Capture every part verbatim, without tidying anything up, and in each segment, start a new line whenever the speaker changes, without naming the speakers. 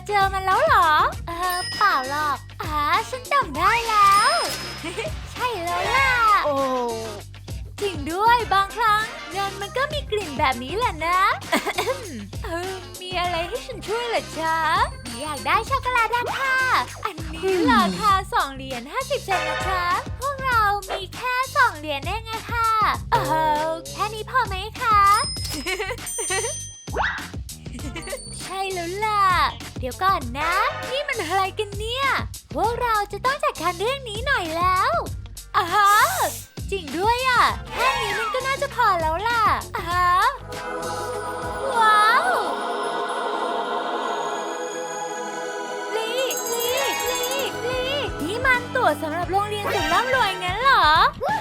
เจอมันแล้วเหรอเออเปล่าหรอกอ่าฉันจำได้แล้ว ใช่แล้วล่ะโอ้จริงด้วยบางครั้งเงินมันก็มีกลิ่นแบบนี้แหละนะ เออมีอะไรให้ฉันช่วยเหรอจ๊ะอยากได้ช็อกโกแลตราคาอันนี้ราคาสองเหรียญห้าสิบเซนต์นะจ๊ะพวกเรามีแค่สองเหรียญเองอะค่ะเออแค่นี้พอไหมคะ ใช่แล้วล่ะเดี๋ยวก่อนนะ นี่มันอะไรกันเนี่ยพวกเราจะต้องจัดการเรื่องนี้หน่อยแล้วอ่าฮะจริงด้วยอ่ะแค่นี้มันก็น่าจะพอแล้วล่ะอ่าฮะว้าวลีลีลีลีนี่มันตั๋วสำหรับโรงเรียนสุดร่ำรวยงั้นเหรอ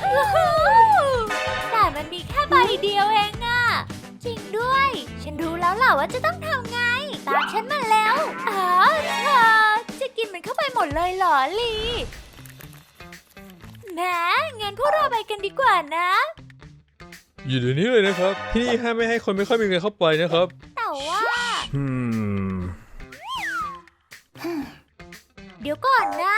แต่มันมีแค่ใบเดียวเองอ่ะจริงด้วยฉันรู้แล้วล่ะว่าจะต้องทำไงตามฉันมาแล้วอ๋อเธอจะกินมันเข้าไปหมดเลยเหรอลีแหมงั้นพวกเราไปกันดีกว่านะ
อยู่เดี๋ยวนี้เลยนะครับที่นี่ห้ามไม่ให้คนไม่ค่อยมีเงินเข้าไปนะครับ
แต่ว่า
อืม
เดี๋ยวก่อนนะ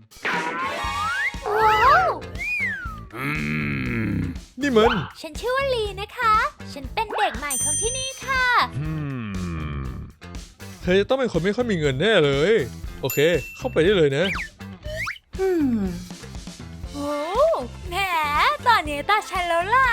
ว้าว
อืมนี่มัน
ฉันชื่อว่าลีนะคะ ฉันเป็นเด็กใหม่ของที่นี่ค่ะ
อืมเธอจะต้องเป็นคนไม่ค่อยมีเงินแน่เลยโอเคเข้าไปได้เลยนะ
อืมโอ้แหมตอนนี้ตาฉันแล้วล่ะ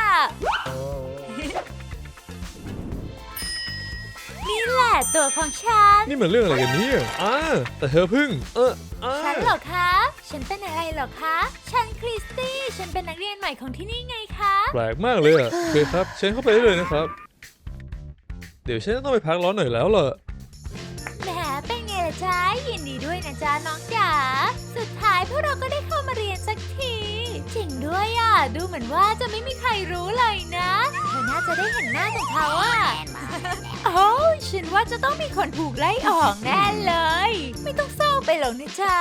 นี่แหละตัวของฉัน
นี่มันเรื่องอะไรกันเนี่ยอ่าแต่เธอเพิ่งเอออ่า
ฉันเหรอคะ ฉันเป็นอะไรเหรอคะ ฉันคริสตี้ ฉันเป็นนักเรียนใหม่ของที่นี่ไงคะ
แปลกมากเลยอ่ะโอเคครับเชิญเข้าไปได้เลยนะครับเดี๋ยวฉันจะต้องไปพักร้อนหน่อยแล้วล่ะ
แหมเป็นไงล่ะจ๊ะยินดีด้วยนะจ๊ะน้องจ๋าสุดท้ายพวกเราก็ได้เข้ามาเรียนสักทีจริงด้วยอ่ะดูเหมือนว่าจะไม่มีใครรู้เลยนะเธอน่าจะได้เห็นหน้าของเขาอ่ะ โอ้ฉันว่าจะต้องมีคนถูกไล่ออกแน่เลยไม่ต้องเศร้าไปหรอกนะจ๊ะ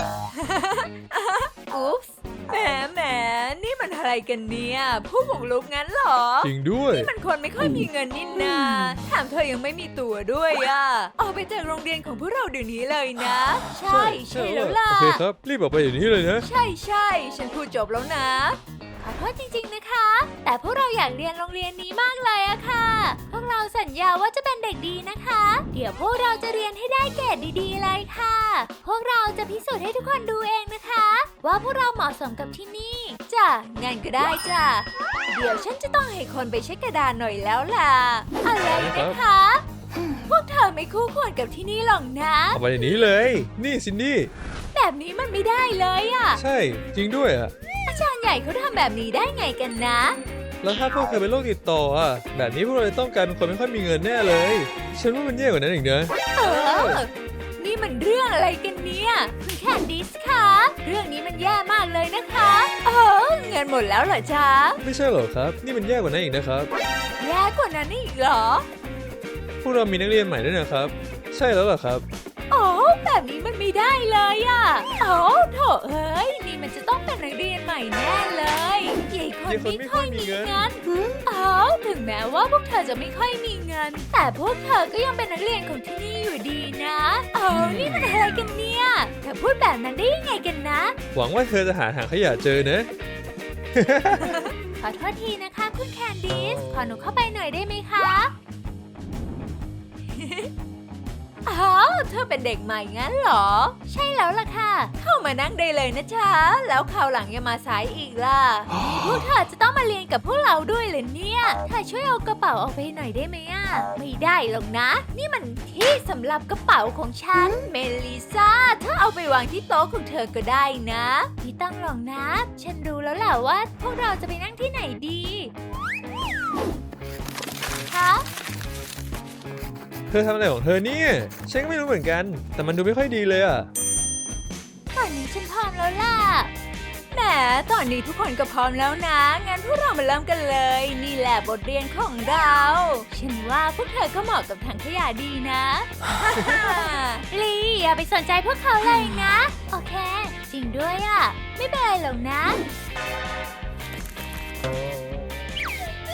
อุ๊ปส์แหมแหมนี่มันอะไรกันเนี่ยผู้บุกรุกงั้นเหรอ
จริงด้วย
นี่มันคนไม่ค่อยมีเงินนี่นาแถมเธอยังไม่มีตั๋วด้วยอ่ะออกไปจากโรงเรียนของพวกเราเดี๋ยวนี้เลยนะ ใช่ใช่แล้วล่ะ
โอเคครับรีบออกไปเดี๋ยวนี้เลยนะ
ใช่ใช่ฉันพูดจบแล้วนะขอโทษจริงๆนะคะ แต่พวกเราอยากเรียนโรงเรียนนี้มากเลยอะค่ะพวกเราสัญญาว่าจะเป็นเด็กดีนะคะ เดี๋ยวพวกเราจะเรียนให้ได้เกรดดีๆเลยค่ะ พวกเราจะพิสูจน์ให้ทุกคนดูเองนะคะ ว่าพวกเราเหมาะสมกับที่นี่จ้ะงั้นก็ได้จ้ะเดี๋ยวฉันจะต้องให้คนไปเช็คกระดานหน่อยแล้วล่ะอะไรนะคะ พวกเธอไม่คู่ควรกับที่นี่หรอกนะ
ออกไปเดี๋ยวนี้เลยนี่ซินดี้
แบบนี้มันไม่ได้เลยอะ
ใช่จริงด้วยอ่ะ
อาจารย์ใหญ่เขาทำแบบนี้ได้ไงกันนะ
แล้วถ้าพวกเธอเป็นโรคติดต่ออ่ะแบบนี้พวกเราจะต้องกลายเป็นคนไม่ค่อยมีเงินแน่เลยฉันว่ามันแย่กว่านั้นอีกนะ
เออ นี่มันเรื่องอะไรกันเนี่ยคุณแคนดิสคะเรื่องนี้มันแย่มากเลยนะคะเออเงินหมดแล้วเหรอจ๊ะ
ไม่ใช่หรอครับนี่มันแย่กว่านั้นอีกนะครับ
แย่กว่านั้นอีกเหรอ
พวกเรามีนักเรียนใหม่ด้วยนะครับ ใช่แล้วเหรอครับ
โอ้แบบนี้มันไม่ได้เลยอะโอ้โถเอ้ยนี่มันจะต้องเป็นนักเรียนใหม่แน่เลยยายคนไม่ค่อยมีเงินอ๋อถึงแม้ว่าพวกเธอจะไม่ค่อยมีเงิน แต่พวกเธอก็ยังเป็นนักเรียนของที่นี่อยู่ดีนะโอ้นี่มันอะไรกันเนี่ยเธอพูดแบบนั้นได้ยังไงกันนะ
หวังว่าเธอจะหาถังขยะเจอนะ
ขอโทษทีนะคะคุณแคนดิสขอหนูเข้าไปหน่อยได้ไหมคะ อ๋อเธอเป็นเด็กใหม่งั้นเหรอ ใช่แล้วล่ะค่ะ เข้ามานั่งได้เลยนะจ๊ะแล้วคราวหลังอย่ามาสายอีกล่ะ นี่พวกเธอจะต้องมาเรียนกับพวกเราด้วยเหรอเนี่ยเธอช่วยเอากระเป๋าออกไปหน่อยได้ไหมอ่ะไม่ได้หรอกนะ นี่มันที่สำหรับกระเป๋าของฉันเมลิซ่าเธอเอาไปวางที่โต๊ะของเธอก็ได้นะไม่ต้องหรอกนะ ฉันรู้แล้วแหละว่า พวกเราจะไปนั่งที่ไหนดีคะ
เธอทำอะไรของเธอเนี่ยฉันก็ไม่รู้เหมือนกันแต่มันดูไม่ค่อยดีเลยอ่ะ
ตอนนี้ฉันพร้อมแล้วล่ะแหมตอนนี้ทุกคนก็พร้อมแล้วนะงั้นพวกเรามาเริ่มกันเลยนี่แหละบทเรียนของเราฉันว่าพวกเธอก็เหมาะกับถังขยะดีนะ ลีอย่าไปสนใจพวกเขาเลยนะโอเคจริงด้วยอ่ะไม่เป็นไรหรอกนะ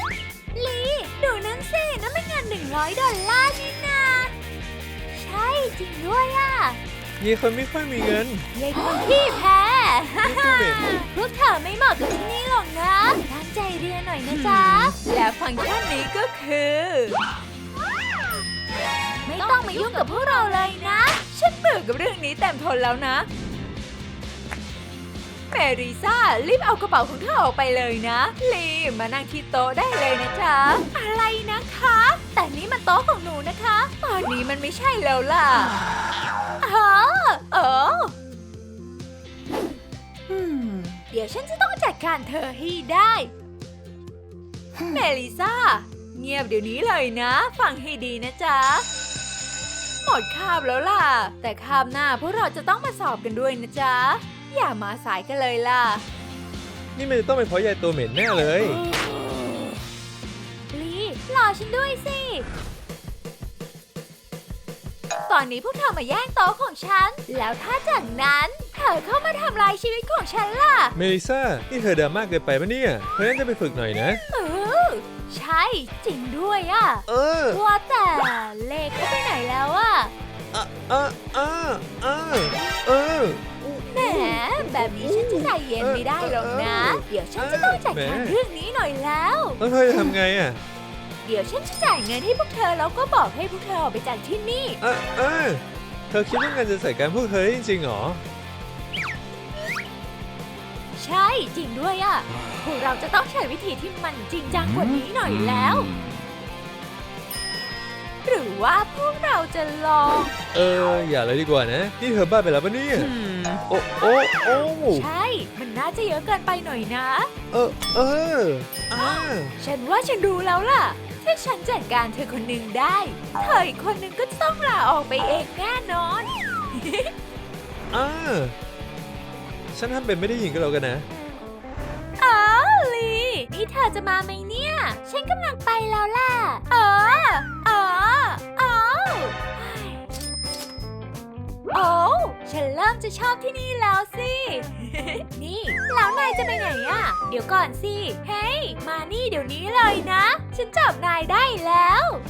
ลีดูนั่นสินั่นเป็นเงินหนึ่งร้อยดอลลาร์นี่นาใช่จริงด้วยอ่ะ
มีคนไม่ค่อยมีเงิน
ยายคนที่แพ้
นี่คือเหม็น
พวกเธอไม่เหมาะกับที่นี่หรอกนะตั้งใจเรียนหน่อยนะจ๊ะ และฟังก์ชันนี้ก็คือ ไม่ต้องมายุ่งกับพวกเราเลยนะ ฉันเบื่อกับเรื่องนี้เต็มทนแล้วนะเมริซ่ารีบเอากระเป๋าของเธอออกไปเลยนะลีมานั่งที่โต๊ะได้เลยนะจ๊ะอะไรนะคะ แต่นี่มันโต๊ะของหนูนะคะ ตอนนี้มันไม่ใช่แล้วล่ะอ๋อเออเดี๋ยวฉันจะต้องจัดการเธอให้ได้เมลิซ่าเงียบเดี๋ยวนี้เลยนะ ฟังให้ดีนะจ๊ะหมดคาบแล้วล่ะ แต่คาบหน้าพวกเราจะต้องมาสอบกันด้วยนะจ๊ะอย่ามาสายกันเลยล่ะ
นี่มันจะต้องเป็นเพราะยายตัวเหม็นแน่เลย
ลีรอฉันด้วยสิ ตอนนี้พวกเธอมาแย่งโต๊ะของฉัน แล้วถ้าจากนั้นเธอเข้ามาทำลายชีวิตของฉันล่ะ
เมลิซ่า นี่เธอดราม่ากเกินไปปะเนี่ยเธอน่าจะไปฝึกหน่อยนะ
เออ ใช่จริงด้วยอะ
เออ
ว่าแต่เลขเขาไปไหนแล้วอะ
อ่ะอ่ะอ่ะอ่ะเออ
แหมแบบนี้ฉันจะใจเย็นไม่ได้หรอกนะ เดี๋ยวฉันจะต้องจัดการเรื่องนี้หน่อยแล้ว
แล้วเธอจะทำไงอ่ะ
เดี๋ยวฉันจะจ่ายเงินให้พวกเธอแล้วก็บอกให้พวกเธอออกไปจากที่นี่
อ่ะอ่ะเธอคิดว่างานจะใส่การพวกเธอได้จริงๆเหรอ
ใช่จริงด้วยอะพวกเราจะต้องใช้วิธีที่มันจริงจังกว่านี้หน่อยแล้ว หรือว่าพวกเราจะลอง
เออ อย่าเลยดีกว่านะ นี่เธอบ้าไปแล้วปะเนี่ย โอ้โอ้โอ้
ใช่ มันน่าจะเยอะเกินไปหน่อยนะ
เออ เอออ่า
ฉันว่าฉันรู้แล้วล่ะ ถ้าฉันจัดการเธอคนหนึ่งได้ เธออีกคนหนึ่งก็จะต้องลาออกไปเองแน่นอน
อ่าฉันทำเป็นไม่ได้ยินก็แล้วกันนะ
อ๋อลีนี่เธอจะมาไหมเนี่ย ฉันกำลังไปแล้วล่ะเออเออเออโอ้ฉันเริ่มจะชอบที่นี่แล้วสิ นี่แล้วนายจะไปไหนอ่ะ เดี๋ยวก่อนสิ เฮ้ย มานี่เดี๋ยวนี้เลยนะ ฉันจับนายได้แล้ว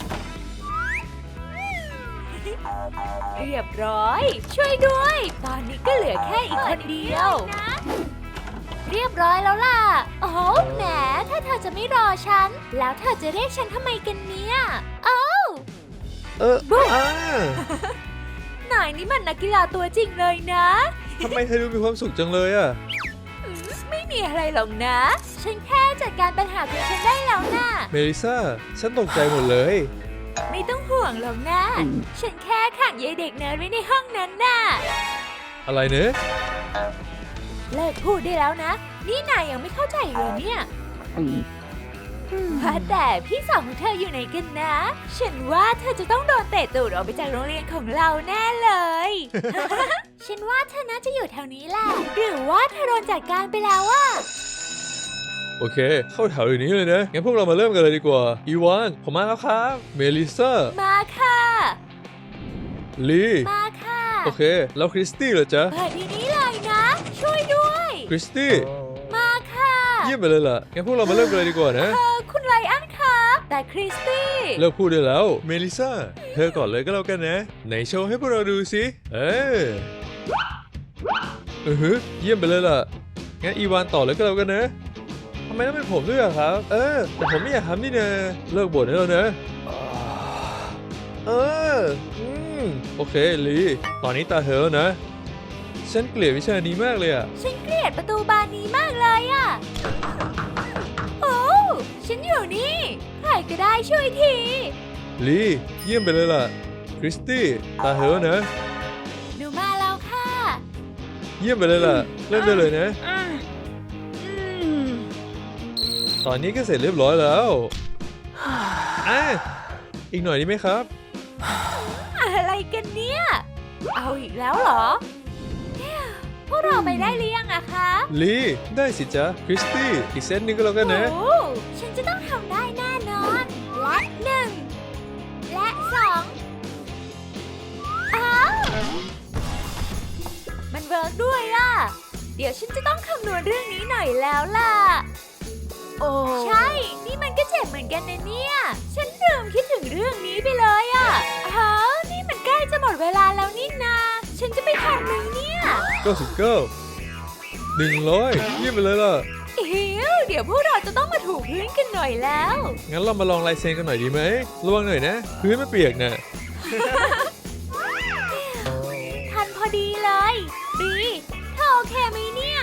เรียบร้อย ช่วยด้วย ตอนนี้ก็เหลือแค่อีกคนเดียว เรียบร้อยแล้วล่ะ โอ้โหแหม ถ้าเธอจะไม่รอฉัน แล้วเธอจะเรียกฉันทำไมกันเนี่ยโอ้
เอออ่าน
ายนี่มันนักกีฬาตัวจริงเลยนะ
ทำไมเธอดูมีความสุขจังเลยอ่ะ
อืมไม่มีอะไรหรอกนะ ฉันแค่จัดการปัญหาของฉันได้แล้วนะ
เมลิซ่า ฉันตกใจหมดเลย
ไม่ต้องห่วงหรอกนะ ฉันแค่ขังยายเด็กเนิร์ดไว้ในห้องนั้นน่ะ
อะไรเนอะ
เลิกพูดได้แล้วนะ นี่นายยังไม่เข้าใจเลยเนี่ยว่าแต่พี่สาวของเธออยู่ไหนกันนะ ฉันว่าเธอจะต้องโดนเตะตูดออกไปจากโรงเรียนของเราแน่เลย ฉันว่าเธอน่าจะอยู่แถวนี้แหละ หรือว่าเธอโดนจัดการไปแล้วอะ
โอเค เข้าแถวอยู่นี้เลยนะ งั้นพวกเรามาเริ่มกันเลยดีกว่า อีวาน ผมมาแล้วครับ เมลิซ่า
มาค่ะ
ลี
มาค่ะ
โอเค แล้วคริสตี้เหรอจ๊ะ
เปิดทีนี้เลยนะ ช่วยด้วย
คริสตี้
มาค่ะ
เยี่ยมไปเลยล่ะ งั้นพวกเรามาเริ่มกันเลยดีกว่านะ
เออคุณไลอ้อนคะแต่คริสตี้
เลิกพูดได้แล้ว เมลิซ่า เธอก่อนเลยก็แล้วกันนะ ไหนโชว์ให้พวกเราดูสิ เอออือฮึเยี่ยมไปเลยล่ะ งั้นอีวานต่อเลยก็แล้วกันนะทำไมต้องเป็นผมด้วยอะครับ เออ แต่ผมไม่อยากทำนี่นะเลิกบ่นได้แล้วนะ เออ อืม โอเค ลี ตอนนี้ตาเธอแล้วนะ ฉันเกลียดวิชานี้มากเลยอะ
ฉันเกลียดประตูบานนี้มากเลยอะโอ้ฉันอยู่นี่ ใครก็ได้ช่วยที
ลี เยี่ยมไปเลยล่ะ คริสตี้ตาเธอแล้วนะ
หนูมาแล้วค่ะ
เยี่ยมไปเลยล่ะ เริ่มได้เลยนะ
อืม
ตอนนี้ก็เสร็จเรียบร้อยแล้ว อ่ะ อีกหน่อยดีไหมครับ
อะไรกันเนี่ย เอาอีกแล้วเหรอเนี่ยพวกเราไปได้หรือยังอะคะ
ลี ได้สิจ๊ะ คริสตี้ อีกเซตหนึงก็แล้วกันนะ
โอ้ฉันจะต้องทำได้แน่นอน และหนึ่ง และสองอ้าวมันเวิร์กด้วยล่ะ เดี๋ยวฉันจะต้องคำนวณเรื่องนี้หน่อยแล้วล่ะ โอ้ใช่ นี่มันก็เจ็บเหมือนกันนะเนี่ย ฉันลืมคิดถึงเรื่องนี้ไปเลยอะอ้าวนี่มันใกล้จะหมดเวลาแล้ว
เก้าสิบเก้า หนึ่งร้อยเยี่ยมไปเลยล่ะ
อิ๋วเดี๋ยวพวกเราจะต้องมาถูพื้นกันหน่อยแล้ว
งั้นเรามาลองลายเซ็นกันหน่อยดีไหมระวังหน่อยนะ พื้นไม่เปียกนะ
ทันพอดีเลยดีเธอโอเคไหมเนี่ย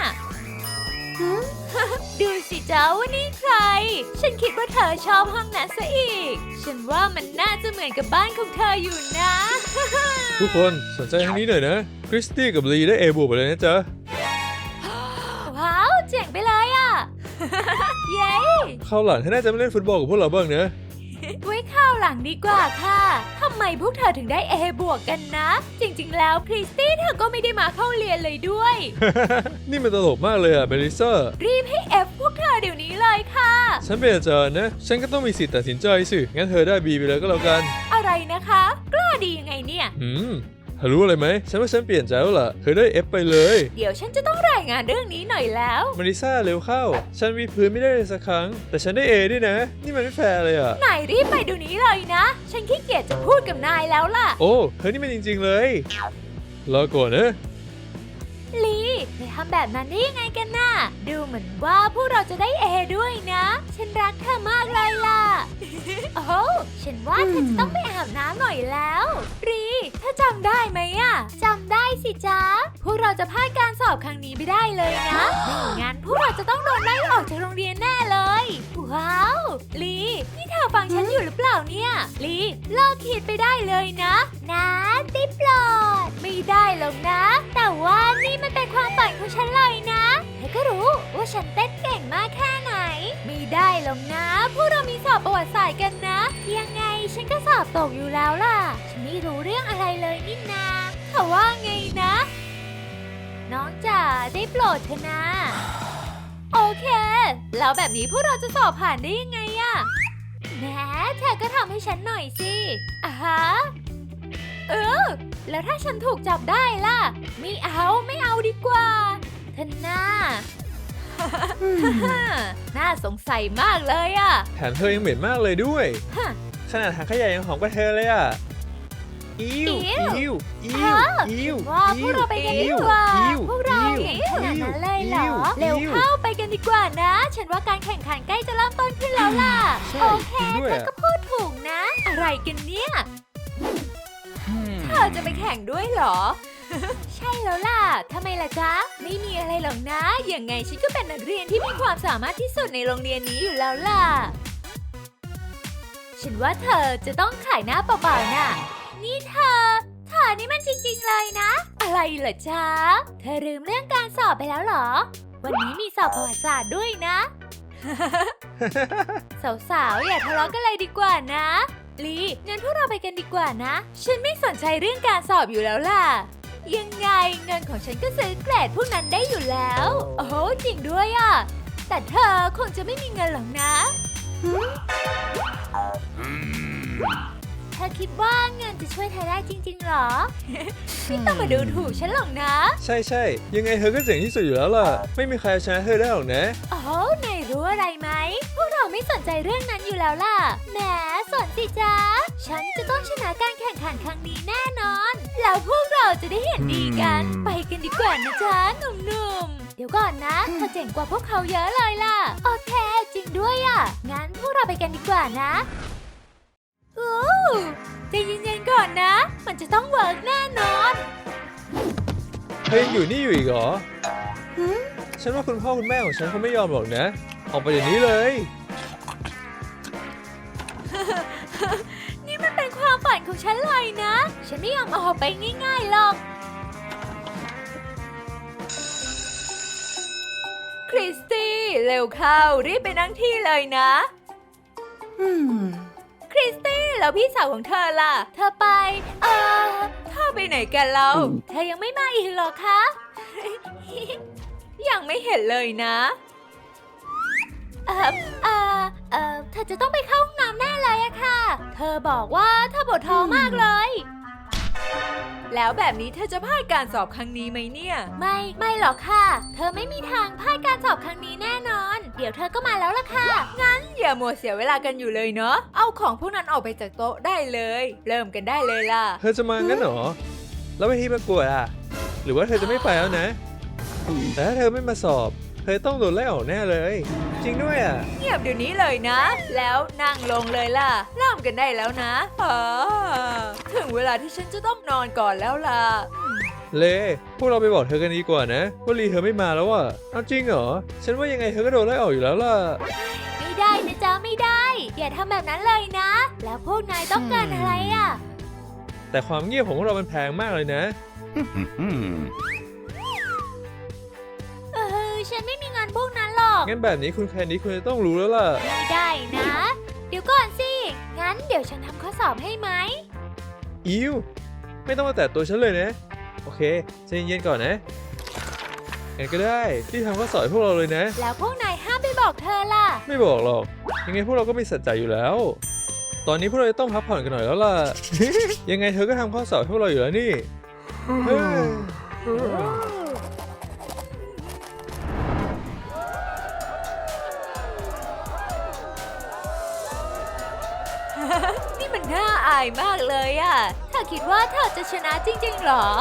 ดูสิจ้าว่านี่ใคร ฉันคิดว่าเธอชอบห้องนั้นซะอีก ฉันว่ามันน่าจะเหมือนกับบ้านของเธออยู่นะ
ทุกคนสนใจทางนี้หน่อยนะ คริสตี้กับลีได้ A บวกไปเลยนะจ๊ะ
ว้าวเจ๋งไปเลยอ่ะ เย้
คราวหลังเธอน่าจะมาเล่นฟุตบอลกับพวกเราบ้างนะ
ไว้ข้าวหลังดีกว่าค่ะทำไมพวกเธอถึงได้ A บวกกันนะ จริงๆแล้วคริสตี้เธอก็ไม่ได้มาเข้าเรียนเลยด้วย
นี่มันตลกมากเลยอะเมลิซ่า
รีบให้ F พวกเธอเดี๋ยวนี้เลยค่ะ
ฉันเป็นอาจารย์นะ ฉันก็ต้องมีสิทธิ์ตัดสินใจสิ งั้นเธอได้ B ไปเลยก็แล้วกัน
อะไรนะคะ กล้าดียังไงเนี่ย
อืมเธอรู้อะไรไหม ฉันว่าฉันเปลี่ยนใจแล้วล่ะ เธอได้ F ไปเลย
เดี๋ยวฉันจะต้องรายงานเรื่องนี้หน่อยแล้ว
เมลิซ่าเร็วเข้า ฉันวิดพื้นไม่ได้เลยสักครั้ง แต่ฉันได้ A ด้วยนะ นี่มันไม่แฟร์เลยอะ
นายรีบไปเดี๋ยวนี้เลยนะ ฉันขี้เกียจจะพูดกับนายแล้วล่ะ
โอ้เธอนี่มันจริงๆเลย รอก่อนนะ
ลีเธอทำแบบนั้นได้ยังไงกันน่ะ ดูเหมือนว่าพวกเราจะได้ A ด้วยนะ ฉันรักเธอมากเลยล่ะ โอ้ฉันว่าเธอจะต้องไปอาบน้ำหน่อยแล้วรีเธอจำได้ไหมอะจำได้สิจ๊ะ พวกเราจะพลาดการสอบครั้งนี้ไม่ได้เลยนะไม่งั้นพวกเราจะต้องโดนไล่ออกจากโรงเรียนแน่เลย ว้าวลีนี่เธอฟังฉันอยู่หรือเปล่าเนี่ยลีเลิกคิดไปได้เลยนะนะได้โปรดไม่ได้หรอกนะ แต่ว่านี่มันเป็นความฝันของฉันเลยนะเธอก็รู้ว่าฉันเต้นเก่งมากแค่ไหน ไม่ได้หรอกนะ พวกเรามีสอบประวัติศาสตร์กันนะ ยังไงฉันก็สอบตกอยู่แล้วล่ะ ฉันไม่รู้เรื่องอะไรเลยนี่นาแต่ว่าไงนะ น้องจ๋าได้โปรดเถอะนะ โอเค แล้วแบบนี้พวกเราจะสอบผ่านได้ยังไงอะแหมเธอก็ทำให้ฉันหน่อยสิอ่าฮะเออ แล้วถ้าฉันถูกจับได้ล่ะ ไม่เอาไม่เอาดีกว่าเธอหน้า น่าสงสัยมากเลยอะ
แถมเธอยังเหม็นมากเลยด้วย
ฮะ
ขนาดถังขยะยังหอมกว่าเธอเลยอ่ะ อิว
อิ๊ว
อิวอิ
ฮะ
วอิว
ว่าพวกเราไปกันดีกว่า
อิว
พวกเรา
อิว
เก่งขนาดนั้นเลยเหรอ
อิว
เร็ว
อิว
เข้าไปกันดีกว่านะ ฉันว่าการแข่งขันใกล้จะเริ่มต้นขึ้นแล้วล่ะ
ใช่
โอเค
จริงด้วย
เธอ
อะ
ก็พูดถูกนะ อะไรกันเนี่ย เธอจะไปแข่งด้วยเหรอ ใช่แล้วล่ะ ทำไมล่ะจ๊ะ ไม่มีอะไรหรอกนะ ยังไงฉันก็เป็นนักเรียนที่มีความสามารถที่สุดในโรงเรียนนี้อยู่แล้วล่ะ ฉันว่าเธอจะต้องขายหน้าเปล่าๆน่ะ นี่เธอ เธอนี่มันจริงๆเลยนะ อะไรเหรอจ๊ะ เธอลืมเรื่องการสอบไปแล้วเหรอ วันนี้มีสอบประวัติศาสตร์ด้วยนะ สาวๆ อย่าทะเลาะกันเลยดีกว่านะลีงั้นพวกเราไปกันดีกว่านะ ฉันไม่สนใจเรื่องการสอบอยู่แล้วล่ะ ยังไงเงินของฉันก็ซื้อเกรดพวกนั้นได้อยู่แล้ว โอ้โหจริงด้วยอ่ะ แต่เธอคงจะไม่มีเงินหรอกนะเธอคิดว่าเงินจะช่วยเธอได้จริงๆหรอ ไม่ต้องมาดูถูกฉันหรอกนะ
ใช่ใช่ยังไงเธอก็เจ๋งที่สุดอยู่แล้วล่ะ ไม่มีใครชนะเธอได้หรอกนะ
โอ้นายรู้อะไรไหม พวกเราไม่สนใจเรื่องนั้นอยู่แล้วล่ะ แหมสนสิจ๊ะ ฉันจะต้องชนะการแข่งขันครั้งนี้แน่นอน แล้วพวกเราจะได้เห็นดีกัน ไปกันดีกว่านะจ๊ะหนุ่มๆ เดี๋ยวก่อนนะเธอเจ๋งกว่าพวกเขาเยอะเลยล่ะ โอเคจริงด้วยอ่ะ งั้นพวกเราไปกันดีกว่านะโอ้ใจเย็นๆก่อนนะ มันจะต้องเวิร์กแน่นอน
เธอยังอยู่นี่อยู่อีกเหรอ ฉันว่าคุณพ่อคุณแม่ของฉันเขาไม่ยอมหรอกนะ ออกไปเดี๋ยวนี้เลย
นี่มันเป็นความฝันของฉันเลยนะ ฉันไม่ยอมออกไปง่ายๆหรอก คริสตี้เร็วเข้ารีบไปนั่งที่เลยนะ คริสตี้แล้วพี่สาวของเธอล่ะ เธอไป เอ่อเธอไปไหนกันแล้ว เธอยังไม่มาอีกเหรอคะ ยังไม่เห็นเลยนะ เอ่อเอ่อเอ่อเธอจะต้องไปเข้าห้องน้ำแน่เลยอะค่ะ เธอบอกว่าเธอปวดท้องมากเลย แล้วแบบนี้เธอจะพลาดการสอบครั้งนี้ไหมเนี่ย ไม่ ไม่หรอกค่ะ เธอไม่มีทางพลาดการสอบครั้งนี้แน่นอน เดี๋ยวเธอก็มาแล้วล่ะค่ะ งั้นอย่ามัวเสียเวลากันอยู่เลยเนาะ เอาของพวกนั้นออกไปจากโต๊ะได้เลย เริ่มกันได้เลยล่ะ
เธอจะมางั้นเหรอ แล้วเวทีประกวดอ่ะหรือว่าเธอจะไม่ไปแล้วนะ แต่ถ้าเธอไม่มาสอบ เธอต้องโดนไล่ออกแน่เลย จริงด้วยอ่ะ
เงียบเดี๋ยวนี้เลยนะ แล้วนั่งลงเลยล่ะเริ่มกันได้แล้วนะอ๋อถึงเวลาที่ฉันจะต้องนอนก่อนแล้วล่ะ
เล พวกเราไปบอกเธอกันดีกว่านะว่าลีเธอไม่มาแล้วอ่ะเอาจริงเหรอ ฉันว่ายังไงเธอก็โดนไล่ออกอยู่แล้วล่ะ
ไม่ได้นะจ๊ะไม่ได้ อย่าทำแบบนั้นเลยนะ แล้วพวกนายต้องการอะไรอ่ะ
แต่ความเงียบของพวกเรามันแพงมากเลยนะ
เออฉันไม่มีงานพวกนั้นหรอก
งั้นแบบนี้คุณแคนดี้คุณจะต้องรู้แล้วล่ะ
ไม่ได้นะ เดี๋ยวก่อนสิ งั้นเดี๋ยวฉันทำข้อสอบให้ไหม
อิวไม่ต้องมาแตะตัวฉันเลยนะ โอเคใจเย็นๆก่อนนะงั้นก็ได้ที่ทำข้อสอบให้พวกเราเลยนะ
แล้วพวกนายห้ามไปบอกเธอล่ะ
ไม่บอกหรอก ยังไงพวกเราก็มีสัจจะอยู่แล้ว ตอนนี้พวกเราจะต้องพักผ่อนกันหน่อยแล้วล่ะ ยังไงเธอก็ทำข้อสอบให้พวกเราอยู่แล้วนี่เฮ้ย
นี่มันน่าอายมากเลยอะเธอคิดว่าเธอจะชนะจริงๆหรอ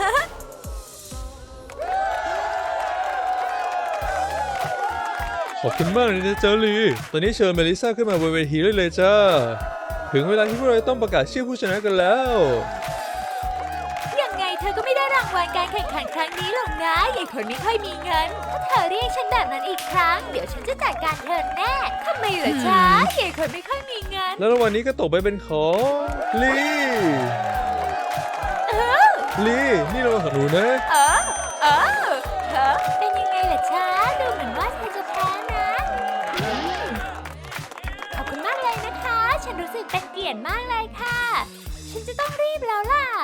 ขอบคุณมากเลยนะเจอลีตอนนี้เชิญเมลิซ่าขึ้นมาบนเวทีได้เลยจ้า ถึงเวลาที่พวกเราต้องประกาศชื่อผู้ชนะกันแล้ว
ยังไงเธอก็ไม่ได้รางวัลการแข่งขันครั้งนี้หรอกนะยายคนไม่ค่อยมีเงิน ถ้าเธอเรียกฉันแบบนั้นอีกครั้ง เดี๋ยวฉันจะจัดการเธอแน่ทำไมเหรอจ๊ะยายคนไม่ค่อยมีเงิน
แล้วรางวัลนี้ก็ตกไปเป็นของลีลีนี่รางวัลของหนูนะ
เออ เออเธอเป็นยังไงล่ะจ๊ะดูเหมือนว่าเธอจะแพ้นะอืมขอบคุณมากเลยนะคะ ฉันรู้สึกเป็นเกียรติมากเลยค่ะ ฉันจะต้องรีบแล้วล่ะ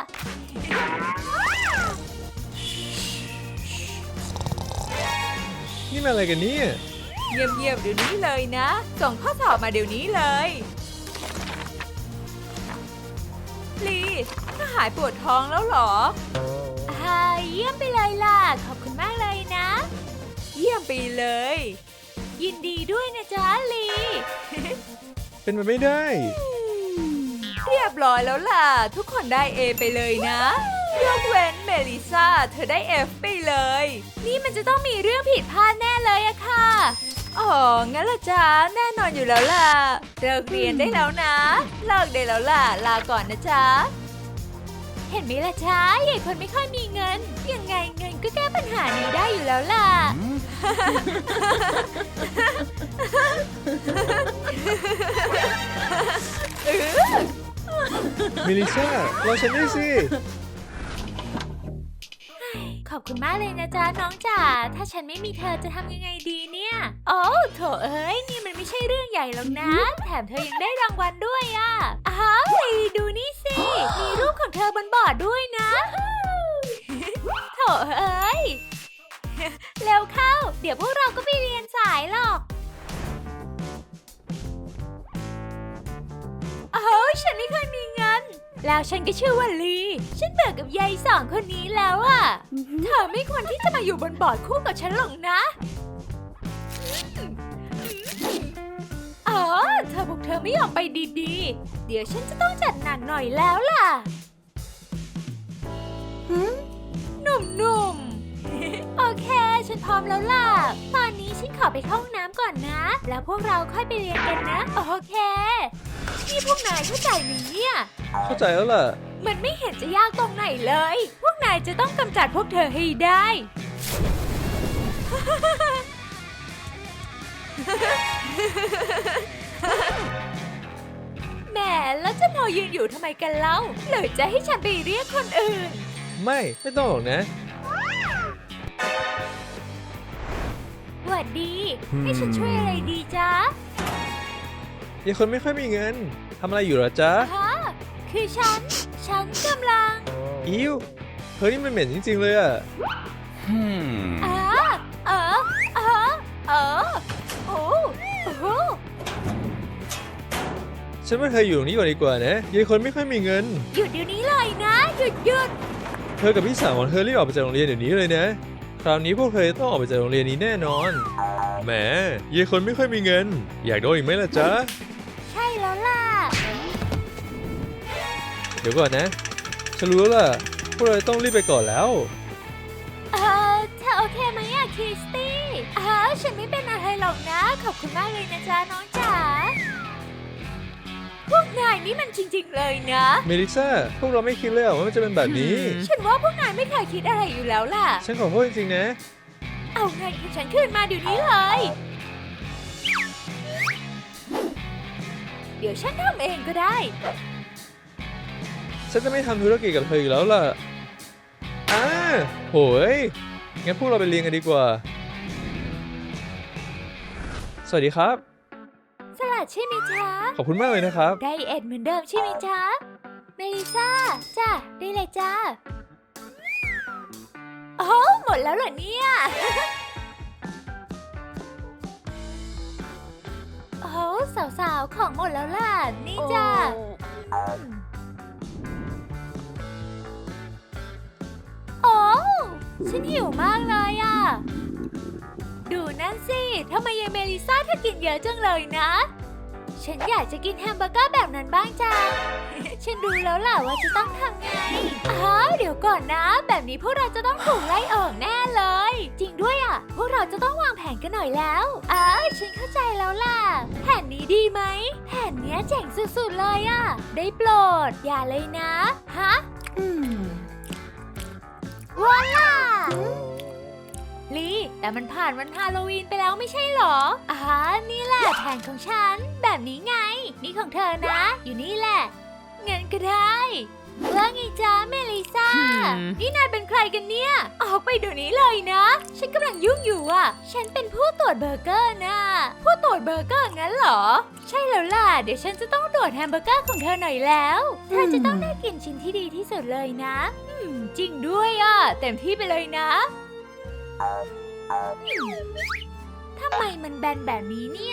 นี่มันอะไรกันเนี่ย
เงียบๆเดี๋ยวนี้เลยนะ ส่งข้อสอบมาเดี๋ยวนี้เลย ลีถ้าหายปวดท้องแล้วเหรออ่าเยี่ยมไปเลยล่ะ ขอบคุณมากเลยนะ เยี่ยมไปเลย ยินดีด้วยนะจ๊ะลี
เป็นไปไม่ได้
เรียบร้อยแล้วล่ะ ทุกคนได้ A ไปเลยนะยกเว้นเมลิซ่าเธอได้ F ไปเลย นี่มันจะต้องมีเรื่องผิดพลาดแน่เลยอะค่ะ อ๋อ งั้นละจ๊ะแน่นอนอยู่แล้วล่ะ เลิกเรียนได้แล้วนะ เลิกได้แล้วล่ะ ลาก่อนนะจ๊ะ เห็นไหมล่ะจ๊ะใหญ่คนไม่ค่อยมีเงิน ยังไงเงินก็แก้ปัญหานี้ได้อยู่แล้วล่ะ
เมลิซ่า รอฉันด้วยสิ
ขอบคุณมากเลยนะจ๊ะน้องจ๋า ถ้าฉันไม่มีเธอจะทำยังไงดีเนี่ย โอ้โถเอ้ย นี่มันไม่ใช่เรื่องใหญ่หรอกนะ แถมเธอยังได้รางวัลด้วยอ่ะ อ้าวลีดูนี่สิ มีรูปของเธอบนบอร์ดด้วยนะ โถเอ้ย เร็วเข้า เดี๋ยวพวกเราก็ไปเรียนสายหรอกโอ้ยฉันไม่เคยมีเงิน แล้วฉันก็ชื่อว่าลี ฉันเบื่อกับยายสองคนนี้แล้วอะเธอไม่ควรที่จะมาอยู่บนบอร์ดคู่กับฉันหรอกนะอ๋อเธอพวกเธอไม่ยอมไปดีๆ เดี๋ยวฉันจะต้องจัดหนักหน่อยแล้วล่ะหนุ่มๆ โอเค ฉันพร้อมแล้วล่ะ ตอนนี้ฉันขอไปเข้าห้องน้ำก่อนนะ แล้วพวกเราค่อยไปเรียนกันนะ โอเค นี่พวกนายเข้าใจไหมเนี่ย
เข้าใจแล้วล่ะ
มันไม่เห็นจะยากตรงไหนเลย พวกนายจะต้องกำจัดพวกเธอให้ได้ แหมแล้วจะพอยืนอยู่ทำไมกันเล่าหรือจะให้ฉันไปเรียกคนอื่น
ไม่ ไม่ต้องหรอกนะ
สวัสดี ให้ฉันช่วยอะไรดีจ๊ะ
ยังคนไม่ค่อยมีเงิน ทำอะไรอยู่เหรอจ๊ะ
ฮะคือฉัน ฉันกำลัง
อิวเธอนี่มันเหม็นจริงๆเลยอะ
เออเออเออเออโอ้โอ้
ฉันว่าเธออยู่ตรงนี้ก่อนดีกว่านะยังคนไม่ค่อยมีเงิน
หยุดเดี๋ยวนี้เลยนะ หยุดหยุด
เธอกับพี่สาวของเธอรีบออกไปจากโรงเรียนเดี๋ยวนี้เลยนะ คราวนี้พวกเธอต้องออกไปจากโรงเรียนนี้แน่นอน แหมเยายคนไม่ค่อยมีเงิน อยากโดนอีกไหมล่ะจ๊ะ
ใช่แล้วล่ะ
เดี๋ยวก่อนนะ ฉันรู้แล้วล่ะ พวกเราต้องรีบไปก่อนแล้ว
เคไหมอะคริสตี้อ้าวฉันไม่เป็นอะไรหรอกนะขอบคุณมากเลยนะจ๊ะน้องจ๋าพวกนายนี่มันจริงๆเลยนะ
เมลิซ่าพวกเราไม่คิดเลยว่ามันจะเป็นแบบนี้
ฉันว่าพวกนายไม่เคยคิดอะไรอยู่แล้วล่ะ
ฉันขอโทษจริงๆนะ
เอาเงินของฉันคืนมาเดี๋ยวนี้เลย เดี๋ยวฉันทำเองก็ได้
ฉันจะไม่ทำธุรกิจกับเธออีกแล้วล่ะอ่าโหยงั้นพวกเราไปเรียนกันดีกว่า สวัสดีครับ
สลัดใช่ไหมจ๊ะ
ขอบคุณมากเลยนะครับ
ไดเอทเหมือนเดิมใช่ไหมจ๊ะเมลิซ่าจ้ะได้เลยจ้าโอ้หมดแล้วเหรอเนี่ย โอ้สาวๆของหมดแล้วล่ะนี่จ้ะโอ้ฉันหิวมากเลยอ่ะดูนั่นสิทำไมยายเมลิซ่าเธอกินเยอะจังเลยนะ ฉันอยากจะกินแฮมเบอร์เกอร์แบบนั้นบ้างจัง ฉันรู้แล้วล่ะว่าจะต้องทำไงอ้าวเดี๋ยวก่อนนะ แบบนี้พวกเราจะต้องถูกไล่ออกแน่เลย จริงด้วยอ่ะ พวกเราจะต้องวางแผนกันหน่อยแล้วอ้าวฉันเข้าใจแล้วล่ะ แผนนี้ดีไหม แผนเนี้ยเจ๋งสุดๆเลยอ่ะ ได้โปรด อย่าเลยนะ ฮะ อืมว้าล่ะลีแต่มันผ่านวันฮาโลวีนไปแล้วไม่ใช่หรออ่านี่แหละแผนของฉัน แบบนี้ไง นี่ของเธอนะ อยู่นี่แหละเงินก็ได้ว่าไงจ๊ะเมลิซ่า นี่นายเป็นใครกันเนี่ย ออกไปเดี๋ยวนี้เลยนะ ฉันกำลังยุ่งอยู่อ่ะ ฉันเป็นผู้ตรวจเบอร์เกอร์นะ ผู้ตรวจเบอร์เกอร์งั้นเหรอ ใช่แล้วล่ะ เดี๋ยวฉันจะต้องตรวจแฮมเบอร์เกอร์ของเธอหน่อยแล้ว เธอจะต้องได้กินชิ้นที่ดีที่สุดเลยนะ อืม จริงด้วยอ่ะ เต็มที่ไปเลยนะทำไมมันแบนแบบนี้เนี่ย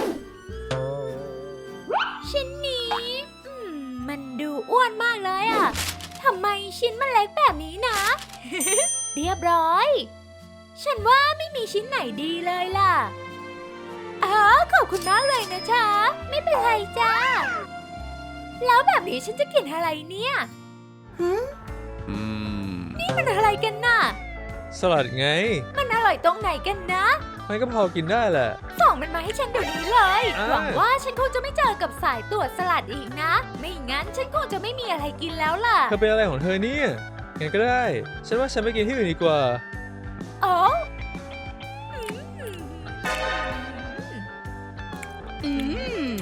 ชิ้นนี้อืมมันดูอ้วนมากเลยอะทำไมชิ้นมันเล็กแบบนี้นะ เรียบร้อย ฉันว่าไม่มีชิ้นไหนดีเลยล่ะอ๋อขอบคุณมากเลยนะจ๊ะไม่เป็นไรจ้าแล้วแบบนี้ฉันจะกินอะไรเนี่ยหืม
อืม
นี่มันอะไรกันน่ะ
สลัดไง
มันอร่อยตรงไหนกันนะ
มันก็พอกินได้แหละ
ส่งมันมาให้ฉันเดี๋ยวนี้เลย
อ่า
หวังว่าฉันคงจะไม่เจอกับสายตรวจสลัดอีกนะ ไม่งั้นฉันคงจะไม่มีอะไรกินแล้วล่ะ
เธอเป็นอะไรของเธอเนี่ยงั้นก็ได้ ฉันว่าฉันไปกินที่อื่นดีกว่า
โอ้อืม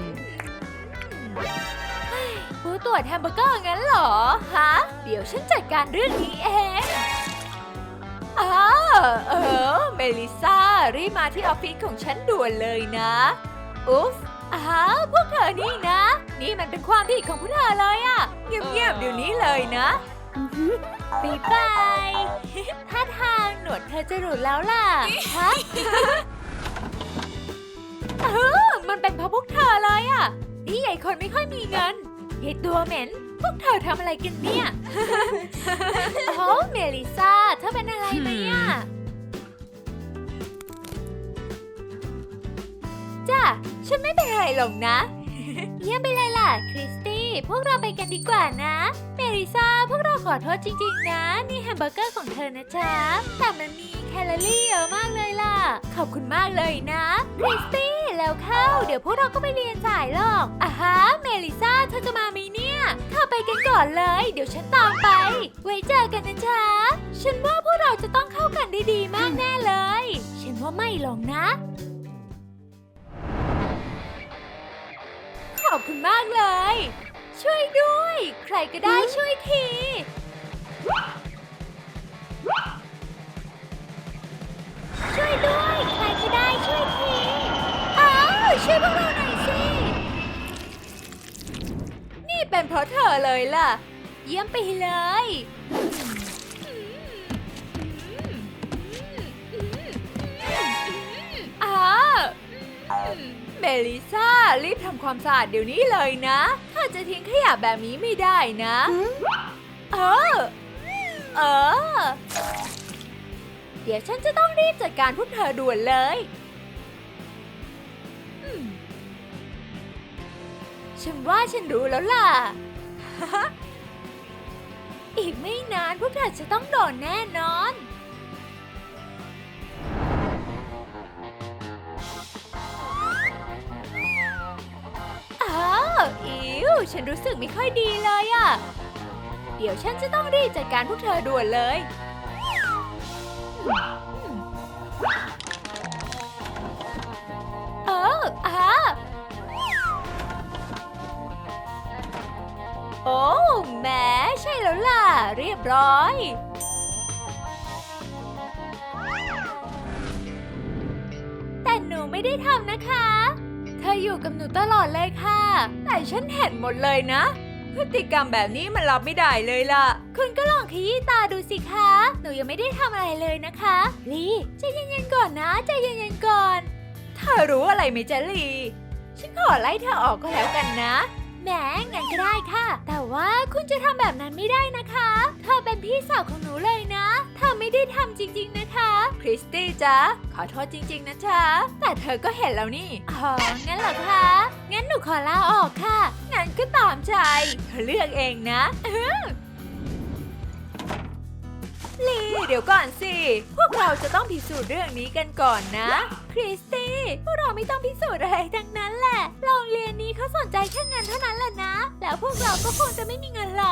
ผู้ตรวจแฮมเบอร์เกอร์งั้นเหรอ ฮะ เดี๋ยวฉันจัดการเรื่องนี้เองอ้าเออ เมลิซ่า รีบมาที่ออฟฟิศของฉันด่วนเลยนะ อุ๊ฟอ้าวพวกเธอนี่นะ นี่มันเป็นความผิดของพวกเธอเลยอะเงียบๆเดี๋ยวนี้เลยนะบ๊ายบายท่าทางหนวดเธอจะหลุดแล้วล่ะ ฮะ เออมันเป็นเพราะพวกเธอเลยอะนี่ใหญ่คนไม่ค่อยมีเงินยายตัวเหม็น พวกเธอทำอะไรกันเนี่ย โอ้เมลิซ่าเธอเป็นอะไรไหมอะจ้ะฉันไม่เป็นอะไรหรอกนะ เยี่ยมไปเลยล่ะคริสตี้พวกเราไปกันดีกว่านะเมลิซ่าพวกเราขอโทษจริงๆนะนี่แฮมเบอร์เกอร์ของเธอนะจ๊ะแต่มันมีแคลอรี่เยอะมากเลยล่ะขอบคุณมากเลยนะคริสตี้แล้วเข้าเดี๋ยวพวกเราก็ไปเรียนสายหรอกอ่ะฮะเมลิซ่าเธอจะมาไหมเนี่ยเข้าไปกันก่อนเลยเดี๋ยวฉันตามไปไว้เจอกันนะจ๊ะฉันว่าพวกเราจะต้องเข้ากันได้ดีมากแน่เลยฉันว่าไม่หรอกนะขอบคุณมากเลย ช่วยด้วย ใครก็ได้ช่วยที ช่วยด้วย ใครก็ได้ช่วยที อ้าวช่วยพวกเราหน่อยสิ นี่เป็นเพราะเธอเลยล่ะ เยี่ยมไปเลยอ้า เมลิซ่ารีบทำความสะอาดเดี๋ยวนี้เลยนะถ้าจะทิ้งขยะแบบนี้ไม่ได้นะเออเออเดี๋ยวฉันจะต้องรีบจัดการพวกเธอด่วนเลยอืมฉันว่าฉันรู้แล้วล่ะ อีกไม่นานพวกเธอจะต้องโดนแน่นอนอิ๋วฉันรู้สึกไม่ค่อยดีเลยอะเดี๋ยวฉันจะต้องรีบจัดการพวกเธอด่วนเลยเอออ่ะโอ้แหมใช่แล้วล่ะ เรียบร้อย แต่หนูไม่ได้ทำนะคะ เธออยู่กับหนูตลอดเลยค่ะ แต่ฉันเห็นหมดเลยนะ พฤติกรรมแบบนี้มันรับไม่ได้เลยล่ะ คุณก็ลองขยี้ตาดูสิคะ หนูยังไม่ได้ทำอะไรเลยนะคะลีใจเย็นๆก่อนนะใจเย็นๆก่อน เธอรู้อะไรไหมจ๊ะลี ฉันขอไล่เธอออกก็แล้วกันนะ แหมงั้นก็ได้ค่ะ แต่ว่าคุณจะทำแบบนั้นไม่ได้นะคะ เธอเป็นพี่สาวของหนูเลยนะเธอไม่ได้ทำจริงๆนะคะ คริสตี้จ๊ะ ขอโทษจริงๆนะจ๊ะ แต่เธอก็เห็นแล้วนี่ อ๋อ งั้นเหรอคะ งั้นหนูขอลาออกค่ะ งั้นก็ตามใจ เธอเลือกเองนะลีเดี๋ยวก่อนสิ พวกเราจะต้องพิสูจน์เรื่องนี้กันก่อนนะ คริสตี้ พวกเราไม่ต้องพิสูจน์อะไรทั้งนั้นแหละ โรงเรียนนี้เขาสนใจแค่เงินเท่านั้นแหละนะ แล้วพวกเราก็คงจะไม่มีเงินหรอก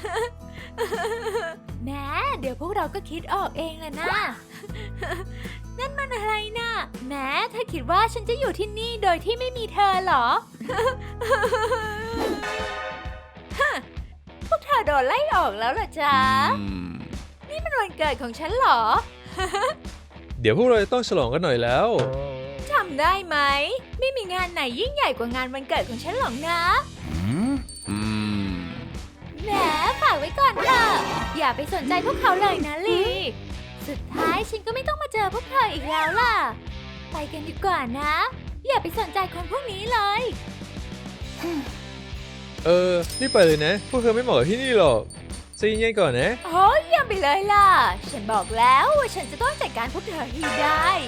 แม้เดี๋ยวพวกเราก็คิดออกเองแหละนะ นั่นมันอะไรนะ แม้เธอคิดว่าฉันจะอยู่ที่นี่โดยที่ไม่มีเธอเหรอ พวกเธอโดนไล่ออกแล้วเหรอจ๊ะ นี่มันวันเกิดของฉันเหรอ
เดี๋ยวพวกเราจะต้องฉลองกันหน่อยแล้ว
จำได้ไหม ไม่มีงานไหนยิ่งใหญ่กว่างานวันเกิดของฉันหรอกนะ แหมฝากไว้ก่อนค่ะ อย่าไปสนใจพวกเขาเลยนะลี สุดท้ายฉันก็ไม่ต้องมาเจอพวกเธออีกแล้วล่ะ ไปกันดีกว่านะ อย่าไปสนใจคนพวกนี้เลย
เออรีบไปเลยนะ พวกเธอไม่เหมาะกับที่นี่หรอกใจเย็นๆก่อนนะ
โอ้ยเยี่ยมไปเลยล่ะ ฉันบอกแล้วว่าฉันจะต้องจัดการพวกเธอให้ได้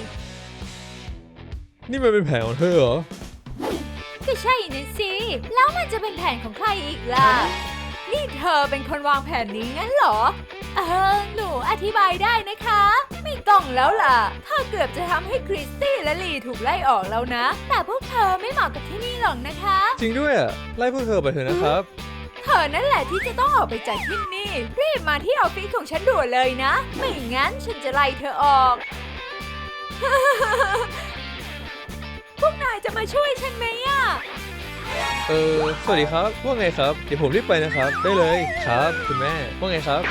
นี่มันเป็นแผนของเธอเหรอ
ก็ใช่นะสิ แล้วมันจะเป็นแผนของใครอีกล่ะ นี่เธอเป็นคนวางแผนนี้งั้นเหรอ เออ หนูอธิบายได้นะคะ ไม่ต้องแล้วล่ะ เธอเกือบจะทำให้คริสตี้และลีถูกไล่ออกแล้วนะ แต่พวกเธอไม่เหมาะกับที่นี่หรอกนะคะ
จริงด้วยอ่ะ ไล่พวกเธอไปเถอะนะครับ
เธอนั่นแหละที่จะต้องออกไปจากที่นี่ รีบมาที่ออฟฟิศของฉันด่วนเลยนะ ไม่งั้นฉันจะไล่เธอออก พวกนายจะมาช่วยฉันไหมอ่ะ
เออสวัสดีครับ ว่าไงครับ เดี๋ยวผมรีบไปนะครับ ได้เลยครับ คุณแม่ ว่าไงครับ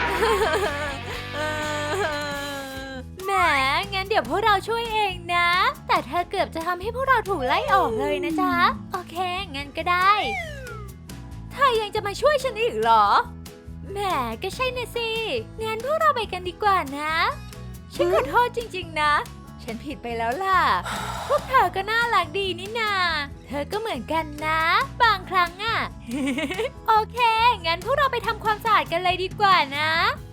แหม งั้นเดี๋ยวพวกเราช่วยเองนะ แต่เธอเกือบจะทำให้พวกเราถูกไล่ออกเลยนะจ๊ะ โอเค งั้นก็ได้ เธอยังจะมาช่วยฉันอีกเหรอ แหม ก็ใช่นะสิ งั้นพวกเราไปกันดีกว่านะ ฉันขอโทษจริงๆนะ ฉันผิดไปแล้วล่ะ พวกเธอก็น่ารักดีนี่นา เธอก็เหมือนกันนะ บางครั้งอะ โอเค งั้นพวกเราไปทำความสะอาดกันเลยดีกว่านะ